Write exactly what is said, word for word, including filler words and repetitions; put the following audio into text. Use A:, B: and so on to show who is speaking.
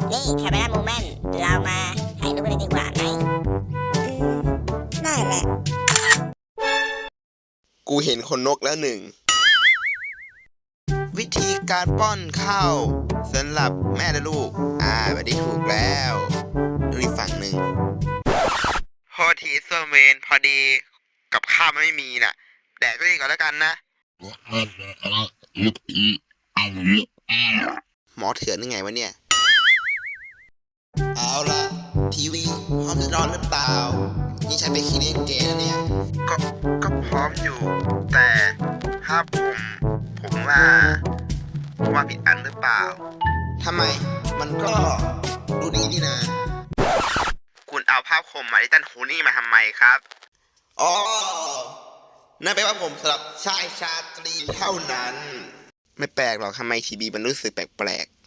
A: นี่แคมเมรามูแมนเรามาถ่ายรูปกันดีกว่าไหม
B: อืมได้แหละ
C: กูเห็นคนนกแล้วหนึ่ง วิธีการป้อนข้าวสำหรับแม่และลูก อ่าแบบนี้ถูกแล้วดูอีกฝั่งหนึ่งพอทีส่วนเวนพอดีกับข้าวไม่มีน่ะ แดกก็ดีก่อนแล้วกันนะ หมอเถื่อนยังไงวะเนี่ย เอาละทีวีพร้อมจะนอนหรือเปล่า นี่ฉันไปคลินิกเกย์นะเนี่ย ก็ก็พร้อมอยู่ แต่ถ้าผมผมว่าผมว่าผิดอันหรือเปล่าทำไมมันก็ดูดีนี่นะ คุณเอาภาพคมมาที่ตั้นหูนี่มาทำไมครับ อ๋อ นั่นเป็นว่าผมสำหรับชายชาตรีเท่านั้น ไม่แปลกหรอกทำไมทีบีมันรู้สึกแปลกๆ